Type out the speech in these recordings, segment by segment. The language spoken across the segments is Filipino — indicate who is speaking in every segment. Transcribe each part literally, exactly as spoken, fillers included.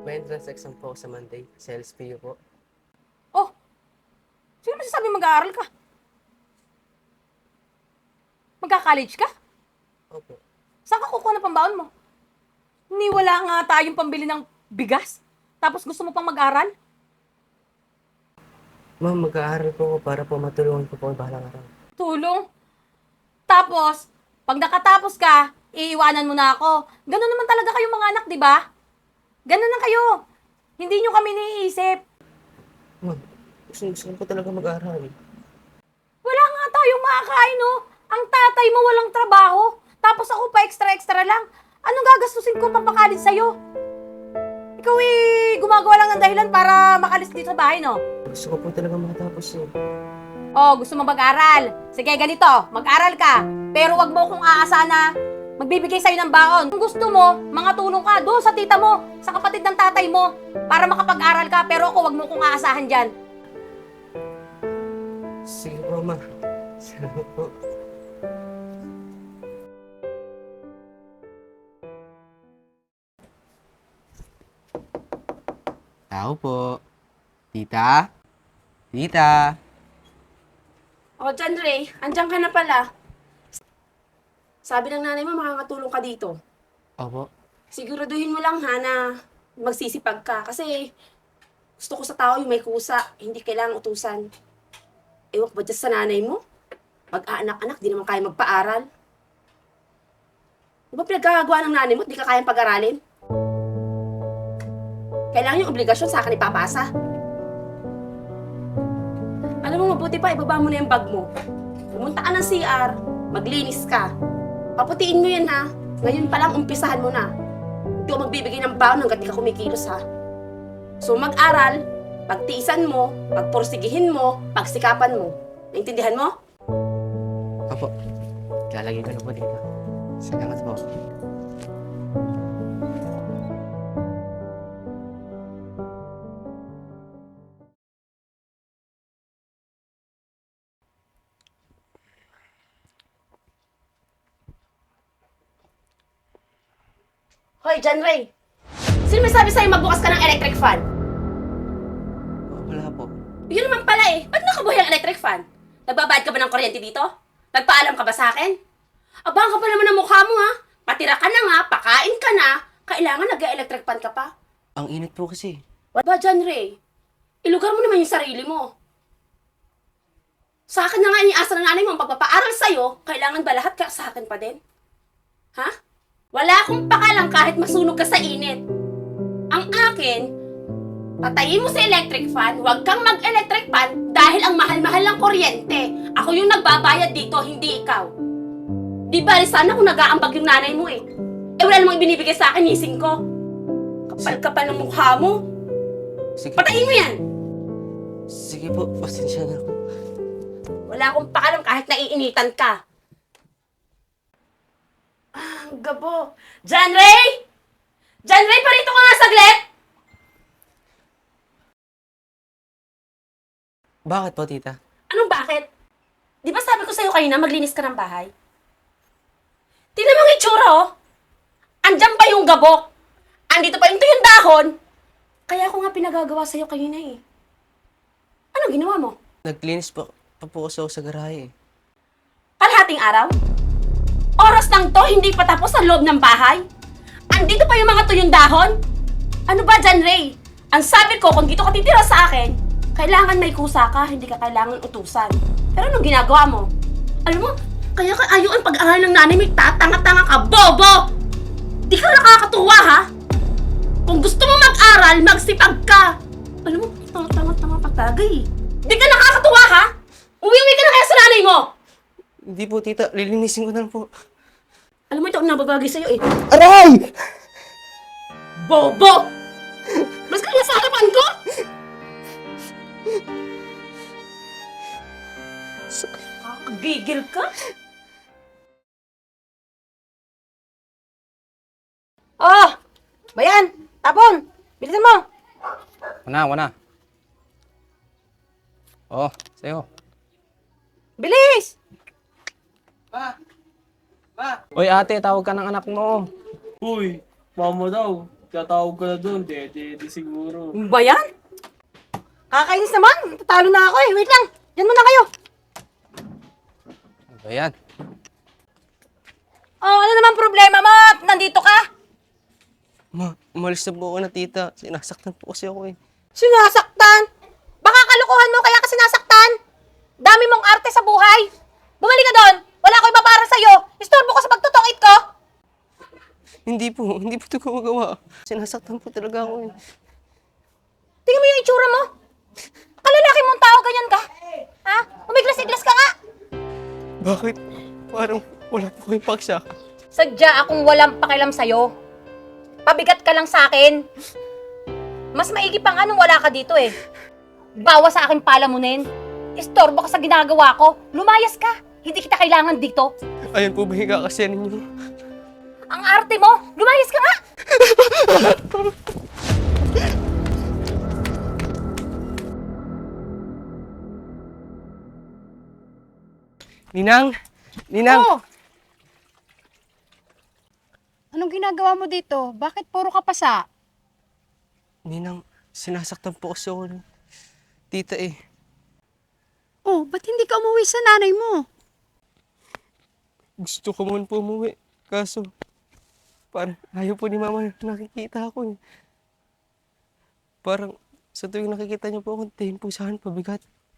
Speaker 1: May entrance exam po ako sa Monday. Sa L S P U po.
Speaker 2: Oh, sino masasabi mag-aaral ka? Magka-college ka?
Speaker 1: Opo.
Speaker 2: Saan ka kukuha ng pambaon mo? Ni wala nga tayong pambili ng bigas. Tapos gusto mo pang mag-aral?
Speaker 1: Ma'am, mag-aaral po ako para po matulungan ko po ang bahalang araw.
Speaker 2: Tulong. Tapos, pag nakatapos ka, iiwanan mo na ako. Ganun naman talaga kayong mga anak, di ba? Ganun na kayo. Hindi nyo kami naiisip.
Speaker 1: Ma'am, gusto, gusto ko po talaga mag-aaral.
Speaker 2: Wala nga tayong makakain, no? Ang tatay mo walang trabaho. Tapos ako pa extra-extra lang. Anong gagastusin ko pampakalit sa'yo? Ikaw eh, gumagawa lang ng dahilan para makalis dito sa bahay, no?
Speaker 1: Gusto ko po talaga matapos eh.
Speaker 2: Oh, gusto mo mag-aral? Sige, ganito, mag-aral ka. Pero wag mo kong aasahan na magbibigay sa'yo ng baon. Kung gusto mo, mga tulong ka doon sa tita mo, sa kapatid ng tatay mo, para makapag-aral ka. Pero ako, wag mo kong aasahan dyan.
Speaker 1: Sige po, ma'am. Salamat po.
Speaker 3: Tao po. Tita? Tita?
Speaker 4: O, John Ray, andyan ka na pala. Sabi ng nanay mo, makakatulong ka dito.
Speaker 1: Opo.
Speaker 4: Siguraduhin mo lang ha na magsisipag ka. Kasi gusto ko sa tao yung may kusa, hindi kailangang utusan. Ewan ko ba dyan sa nanay mo? Mag-aanak-anak, di naman kaya magpaaral. Di ba pinagkakagawa ng nanay mo at di ka kayang pag-aralin? Kailangan yung obligasyon sa akin ipapasa. Alam mo, mabuti pa, ibaba mo na yung bag mo. Pumunta ka ng C R, maglinis ka. Paputiin mo yan ha. Ngayon pa lang, umpisahan mo na. Hindi ko magbibigay ng baon hanggat di ka kumikilos ha. So mag-aral, pagtiisan mo, pagporsigihin mo, pagsikapan mo. Naintindihan mo?
Speaker 1: Opo. Lalagay ko na po dito. Salamat po.
Speaker 4: Hoy, John Ray! Sino may sabi sa'yo magbukas ka ng electric fan?
Speaker 1: Wala po.
Speaker 4: Yun naman pala eh. Ba't nakabuhay ang electric fan? Nagbabayad ka ba ng kuryente dito? Nagpaalam ka ba sa akin? Abang ka pa naman ang mukha mo ha. Patira ka na nga, pakain ka na. Kailangan nag-electric fan ka pa.
Speaker 1: Ang init po kasi.
Speaker 4: What ba, John Ray? Ilugar mo naman yung sarili mo. Sa akin na nga iniasa ng nanay mo ang pagpapaaral sa'yo, kailangan ba lahat ka sa akin pa din? Ha? Wala akong pakalang kahit masunog ka sa init. Ang akin, patayin mo sa electric fan, huwag kang mag-electric fan dahil ang mahal-mahal ng kuryente. Ako yung nagbabayad dito, hindi ikaw. Di ba, sana kung nag-aambag yung nanay mo eh. Eh wala namang binibigay sa akin, nising ko. Kapal-kapal ng mukha mo.
Speaker 1: Sige.
Speaker 4: Patayin mo yan!
Speaker 1: Sige po, pasensya na po.
Speaker 4: Wala akong pakalam kahit naiinitan ka. Ah, ang gabo. John Ray! John Ray, parito ka nga saglit!
Speaker 1: Bakit po, tita?
Speaker 4: Anong bakit? Di ba sabi ko sa'yo kanina maglinis ka ng bahay? Tingnan mo ang itsura, oh! Andyan pa yung gabok! Andito pa yung tuyong dahon! Kaya ako nga pinagagawa sa'yo kanina eh. Anong ginawa mo?
Speaker 1: Naglinis po, pa po ako sa garahe eh.
Speaker 4: Kalahating araw? Oras lang to, hindi pa tapos ang loob ng bahay? Andito pa yung mga tuyong dahon? Ano ba, John Ray? Ang sabi ko, kung dito ka titira sa akin, kailangan may kusa ka, hindi ka kailangan utusan. Pero anong ginagawa mo? Alam mo, kaya ka ayaw ang pag-aaral ng nanay mo, tatanga-tanga ka, bobo! Di ka nakakatuwa, ha? Kung gusto mo mag-aral, magsipag ka! Alam mo, tanga-tanga pa talaga eh. Di ka nakakatuwa, ha? Uwi-uwi ka na kaya sa nanay mo!
Speaker 1: Hindi po, tita. Lilinisin ko na lang po.
Speaker 4: Alam mo, ito ang nababagay sa'yo eh.
Speaker 1: Aray!
Speaker 4: Bobo! Mas kaya sa harapan ko? Kakagigil ka?
Speaker 2: Oh, bayan, tapon, bilisan mo.
Speaker 3: Wana, wana. Oh, sa'yo.
Speaker 2: Bilis!
Speaker 1: Ma! Ma!
Speaker 3: Oy ate, tawag ka ng anak mo.
Speaker 5: Uy, mama daw. Katawag ko na doon, dede, di siguro.
Speaker 2: Ano ba yan? Kakainis naman. Tatalo na ako eh. Wait lang. Diyan muna kayo.
Speaker 3: Ano ba yan?
Speaker 2: Oh, ano naman problema mo? Nandito ka?
Speaker 3: Ma, umalis na po ako na tita. Sinasaktan po kasi ako eh.
Speaker 2: Sinasaktan? Baka kalukuhan mo kaya ka sinasaktan? Dami mong arte sa buhay. Bumalik ka doon. Wala ko iba para sa'yo. Istorbo ko sa pagtutungit ko.
Speaker 3: Hindi po, hindi po ito gumagawa. Sinasaktan po talaga ako eh.
Speaker 2: Tingnan mo yung itsura mo. Kalalaki mong tao, ganyan ka. Ha? Umiglas-iglas ka nga.
Speaker 3: Bakit? Parang wala po kayong paksa.
Speaker 2: Sadya akong walang pakialam sa'yo. Pabigat ka lang sa akin. Mas maigi pa nga nung wala ka dito eh. Bawa sa akin palamunin. Istorbo ka sa ginagawa ko. Lumayas ka. Hindi kita kailangan dito.
Speaker 3: Ayun po ba yung kakasya ninyo?
Speaker 2: Ang arte mo. Lumayas ka nga.
Speaker 3: Ninang! Ninang!
Speaker 6: Oh! Anong ginagawa mo dito? Bakit puro ka pasa?
Speaker 3: Ninang, sinasaktan po kasi ako ng tita eh.
Speaker 6: Oh, ba't hindi ka umuwi sa nanay mo?
Speaker 3: Gusto ko man po umuwi. Kaso, parang ayaw po ni mama na nakikita ako eh. Parang sa tuwing nakikita niyo po akong tingin po sa akin pabigat.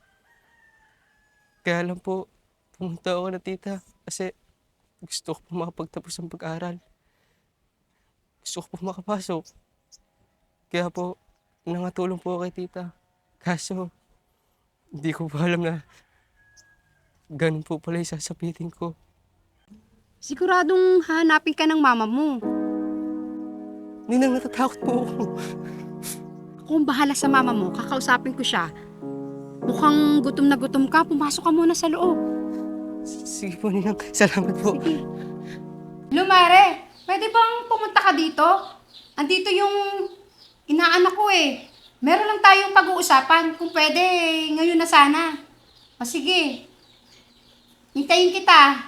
Speaker 3: Kaya lang po, pumunta ako na tita kasi gusto ko po makapagtapos ng pag-aaral. Gusto ko po makapasok. Kaya po, nangatulong po ako kay tita. Kaso, hindi ko pa alam na ganun po pala yung sasapitin ko.
Speaker 6: Siguradong hahanapin ka ng mama mo.
Speaker 3: Ninang, natatakot po ako.
Speaker 6: Kung bahala sa mama mo, kakausapin ko siya. Mukhang gutom na gutom ka, pumasok ka muna sa loob.
Speaker 3: Sige po, Ninang. Salamat po.
Speaker 6: Sige. Lumare, pwede bang pumunta ka dito? Andito yung inaanak ko eh. Meron lang tayong pag-uusapan. Kung pwede, ngayon na sana. O sige. Hintayin kita.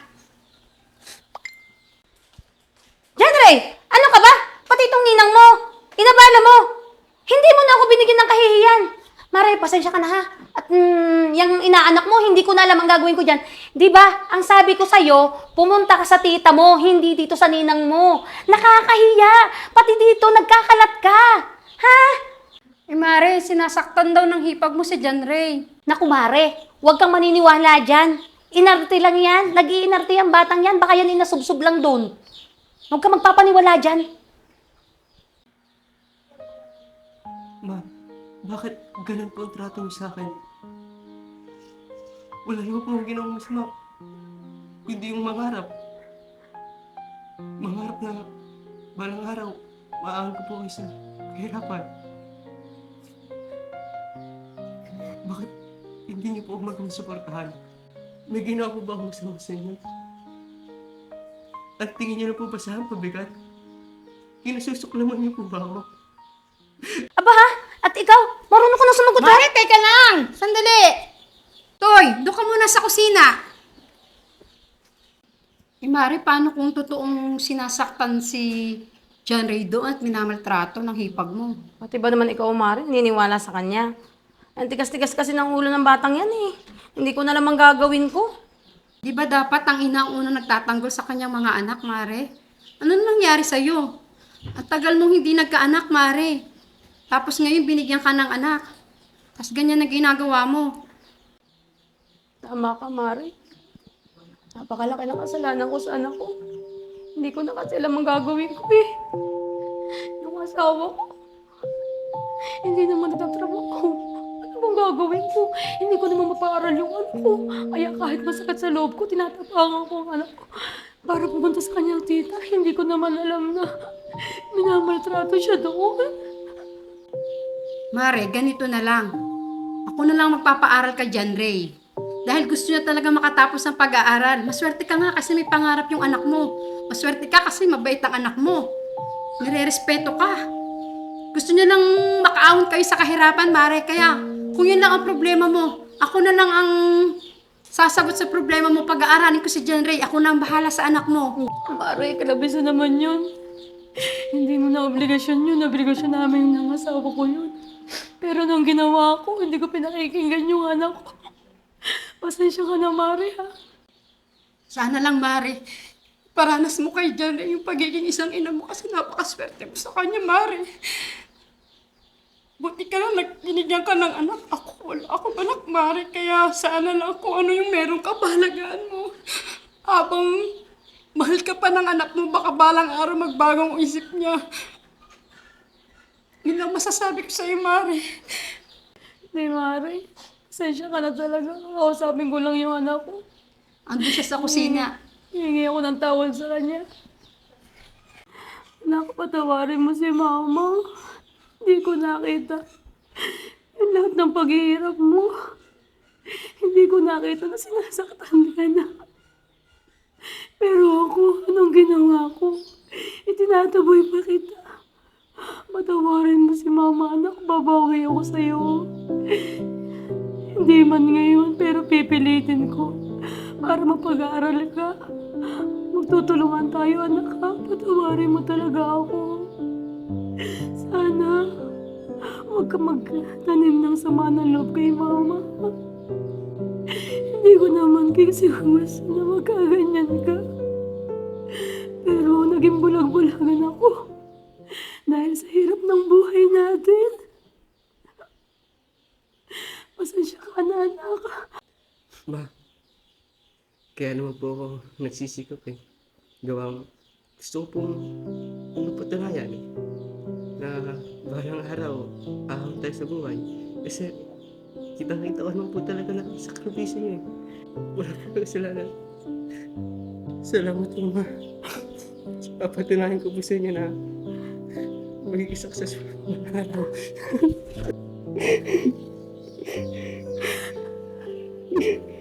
Speaker 2: Genre, ano ka ba? Pati itong ninang mo. Inabala mo. Hindi mo na ako binigyan ng kahihiyan. Mare, pasensya ka na ha. At mm, yung inaanak mo, hindi ko na alam ang gagawin ko dyan. Di ba, ang sabi ko sa'yo, pumunta ka sa tita mo, hindi dito sa ninang mo. Nakakahiya. Pati dito, nagkakalat ka. Ha?
Speaker 6: Eh Mare, sinasaktan daw ng hipag mo si John Ray.
Speaker 2: Naku, Mare, huwag kang maniniwala dyan. Inarte lang yan. Nag-iinarte yung batang yan. Baka yan inasubsob lang doon. Huwag kang magpapaniwala dyan.
Speaker 3: Ma, bakit ganun po ang trato mo sa akin? Wala naman po akong ginawang masama. Hindi yung mangarap. Mangarap na balang araw, maaan ko po kayo sa kahirapan. Bakit hindi niyo po ako magawang suportahan? May ginawa po ba akong masama sa inyo? At tingin niyo na po ba sa akin pabigat? Kinasusuklaman niyo po ba ako?
Speaker 2: Aba ha? At ikaw, marunong ko na sumagot ha?
Speaker 6: Mare, teka lang! Sandali! Toy, doon ka muna sa kusina. Eh Mare, paano kung totoong sinasaktan si John Ray doon at minamaltrato ng hipag mo?
Speaker 2: Pati ba naman ikaw, Mare, niniwala sa kanya? Ang tigas-tigas kasi ng ulo ng batang yan eh. Hindi ko na lamang gagawin ko.
Speaker 6: Di ba dapat ang ina ang unang nagtatanggol sa kanyang mga anak, Mare? Ano nangyari sa'yo? At tagal nung hindi nagkaanak, Mare. Tapos ngayon binigyan ka ng anak. Tapos ganyan na ginagawa mo.
Speaker 2: Tama ka, Mare. Napakalaki ng kasalanan ko sa anak ko. Hindi ko na kasi alam ang gagawin ko eh. Yung asawa ko, hindi naman nagtatrabaho. Ano bang gagawin ko? Hindi ko naman mapaaral yung anak ko. Kaya kahit masakit sa loob ko, tinatapangan ko ang anak ko. Para pumunta sa kanyang tita, hindi ko naman alam na minamaltrato siya doon.
Speaker 6: Mare, ganito na lang. Ako na lang magpapaaral ka dyan, Ray. Dahil gusto niya talaga makatapos ng pag-aaral. Maswerte ka nga kasi may pangarap yung anak mo. Maswerte ka kasi mabait ang anak mo. Nire-respeto ka. Gusto niya lang makaahon kayo sa kahirapan, Mare. Kaya kung yun lang ang problema mo, ako na lang ang sasagot sa problema mo. Pag-aaralin ko si John Ray. Ako na ang bahala sa anak mo.
Speaker 2: Mare, kalabisan naman yun.
Speaker 7: Hindi mo na obligasyon yun. Obligasyon namin ng asawa ko yun. Pero nung ginawa ko, hindi ko pinakikinggan yung anak ko. Pasensya ka na, Mari, ha?
Speaker 6: Sana lang, Mare, paranas mo kay Janray yung pagiging isang ina mo kasi napakaswerte mo sa kanya, Mare. Buti ka lang, nagpinigyan ka ng anak. Ako, wala akong anak, Mare. Kaya sana lang kung ano yung meron ka, bahalagaan mo. Habang mahal ka pa ng anak mo, baka balang araw magbagong isip niya. Yun lang masasabi ko sa'yo, Mare.
Speaker 7: Hindi, Mari. Pasensya ka na talaga. Kausapin ko lang yung anak ko.
Speaker 6: Andun siya sa kusina.
Speaker 7: Hihingi ako ng tawad sa kanya. Anak, patawarin mo si Mama. Hindi ko nakita yung lahat ng paghihirap mo. Hindi ko nakita na sinasaktan ka na. Pero ako, anong ginawa ko? Itinataboy pa kita. Patawarin mo si Mama, anak. Babawi ako sa'yo. Hindi man ngayon, pero pipilitin ko para mapag-aaral ka. Magtutulungan tayo, anak, ha? Patawarin mo talaga ako. Sana, huwag ka magtanim ng sama ng loob kay Mama. Hindi ko naman kasi gusto na magkaganyan ka. Pero naging bulag-bulagan ako. Dahil sa hirap ng buhay natin. Pasensya ka na, anak.
Speaker 3: Ma, kaya naman po ako nagsisikap eh. Gawa, gusto ko pong mapatunayan eh, na balang araw, ahon tayo sa buhay. Kasi, kitang-kita ko naman po talaga na sakripisyo niyo eh. Wala po kasalanan. Salamat po, ma. Papatunayan ko po sa inyo na magiging successful na araw.